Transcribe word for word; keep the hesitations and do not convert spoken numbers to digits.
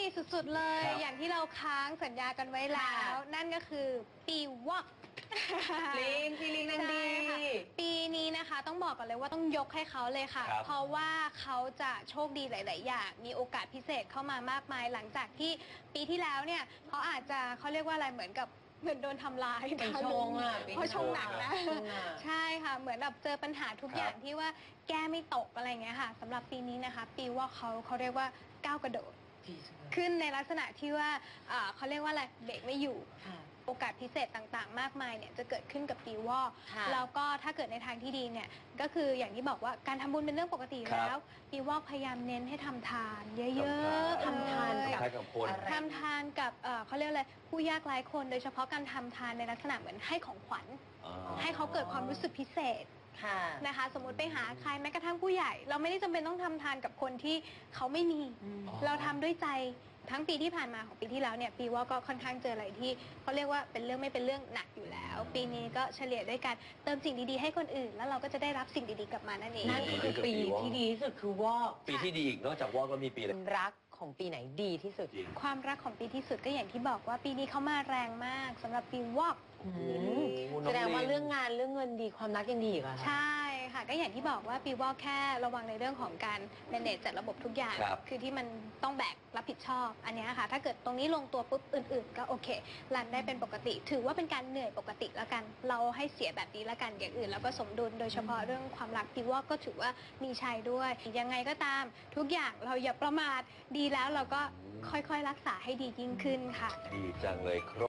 สุดๆเลยครับอย่างที่เราค้างสัญญากันไว้แล้ว นั่นก็คือปีวอกลิงพี่ลิงนังดีใช่ค่ะปีนี้นะคะต้องบอกก่อนเลยว่าต้องยกให้เขาเลยค่ะครับเพราะว่าเขาจะโชคดีหลาย ๆ อย่าง มีโอกาสพิเศษเข้ามามากมายหลังจากที่ปีที่แล้วเนี่ยเขาอาจจะเขาเรียกว่าอะไรเหมือนกับเหมือนโดนทำลายเป็นชงอ่ะเพราะชงหนักนะชงอ่ะใช่ค่ะเหมือนแบบเจอปัญหาทุกครับอย่างที่ว่าแก้ไม่ตกอะไรเงี้ยค่ะสำหรับปีนี้นะคะ ปีว่าเขาเขาเรียกว่าก้าวกระโดดดีจังเลยขึ้นในลักษณะที่ว่าอ่าเขาเรียกว่าอะไรเบรกไม่อยู่ค่ะโอกาสพิเศษต่างๆ มากมายเนี่ยจะเกิดขึ้นกับปีวอกค่ะแล้วก็ถ้าเกิดในทางที่ดีเนี่ยก็คืออย่างที่บอกว่าการทำบุญเป็นเรื่องปกติอยู่ครับแล้วปีวอกพยายามเน้นให้ทำทานเยอะทำทานๆทำทานเอ่ยคล้ายกับคนอะไรทำทานกับเอ่อเขาเรียกอะไรผู้ยากไร้คน โดยเฉพาะการทำทานในลักษณะเหมือนให้ของขวัญอ๋อให้เขาเกิดความรู้สึกพิเศษค่ะนะคะ สมมติไปหาใครแม้กระทั่งผู้ใหญ่ เราไม่ได้จำเป็นต้องทำทานกับคนที่เขาไม่มีอืมอ๋อเราทำด้วยใจทั้งปีที่ผ่านมาของปีที่แล้วเนี่ยปีว่าก็ค่อนข้างเจออะไรที่เขาเรียกว่าเป็นเรื่องไม่เป็นเรื่องหนักอยู่แล้ว ปีนี้ก็เฉลี่ยด้วยการเติมสิ่งดีๆให้คนอื่น แล้วเราก็จะได้รับสิ่งดีๆกลับมานั่นเองนั่นคือปีที่ดีที่สุดคือวอกปีที่ดีอีกนอกจากวอกก็มีปีอะไรรักของปีไหนดีที่สุดจริงความรักของปีที่สุดก็อย่างที่บอกว่าปีนี้เขามาแรงมากสำหรับปีวอกอืมโอ้โหน้องแสดงว่าลิงเรื่องงานเรื่องเงินดีความรักยังดีอีกเหรอคะใช่ค่ะก็อย่างที่บอกว่าปีวอกแค่ระวังในเรื่องของการ manage จัดระบบทุกอย่างครับคือที่มันต้องแบกรับผิดชอบอันเนี้ยค่ะถ้าเกิดตรงนี้ลงตัวปุ๊บอื่นๆ ก็โอเครันได้เป็นปกติ ถือว่าเป็นการเหนื่อยปกติแล้วกัน เราให้เสียแบบนี้แล้วกันอย่างอื่น แล้วก็สมดุลโดยเฉพาะเรื่องความรักปีวอกก็ถือว่ามีชัยด้วย ยังไงก็ตามทุกอย่างเราอย่าประมาทดีแล้วเราก็ค่อยๆรักษาให้ดียิ่งขึ้นค่ะดีจังเลยครับ